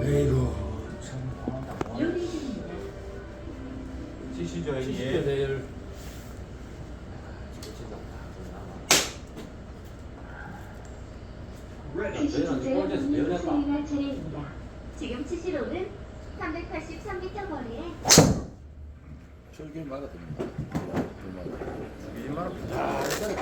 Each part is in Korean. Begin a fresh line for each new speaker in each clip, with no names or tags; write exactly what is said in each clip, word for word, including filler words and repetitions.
에이구 참.
요리 중입니다.
치시죠 형님.
치시죠 내일.
치시 주제의 국민 수행할 차례입니다. 지금 치시로는 삼백팔십삼 미터 거리에
저기 막아듭니다.
이만
아,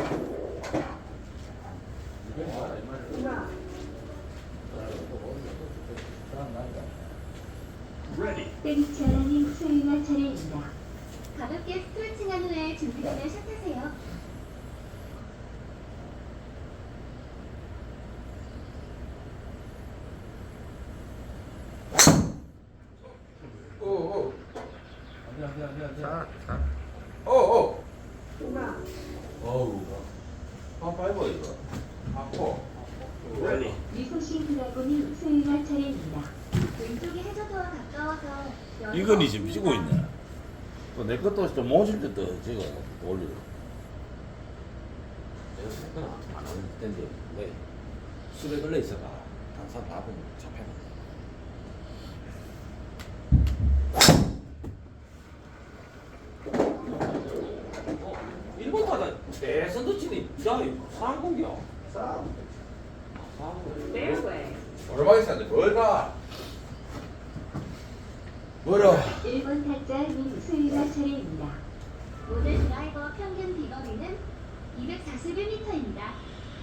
땡치아라님 수행할 차례입니다. 가볍게 스트레칭한 후에 준비되면 샷하세요.
오오
안돼 안돼 안돼 안돼.
자자 오오
어우.
파파이버 이거 아포 레디
미소신 드라곤님 수행할 차례입니다. 왼쪽이 해저도와 가까워서
이건이 지금 미치고 있네. 또 내 것도 좀 모질 때도 제가 올리려. 내가 생각 안 하는 텐데 왜 술에 걸려 있어가 단산 밥은 잡혀가. 일본 타자 대선도 치니 야 상공이야.
싸
Fairway.
오르막이 싸는데 뭘 가? 뭐라?
일 번 타짜님 수행할 차례입니다. 오늘 드라이버 평균 비거리는 이백사십일 미터입니다.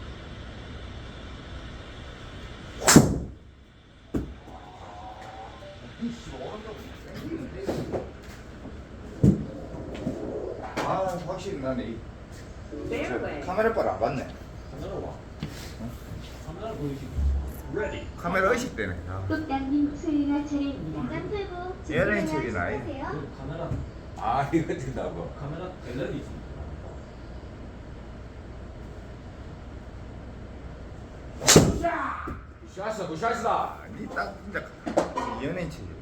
아 확실히 나네 이
Fairway.
카메라 빨안 봤네.
카메라 와. 카메라 보이지.
레디 카메라 의식되네. 아.
꽃당님 수행할 차례입니다. 난 풀고
얘는 책이 나이.
하세요.
그 카메라
아 이거 된다고.
카메라 갤러리 있습니다.
샷스 굿샷이다. 니딱 진짜 연예인 체질.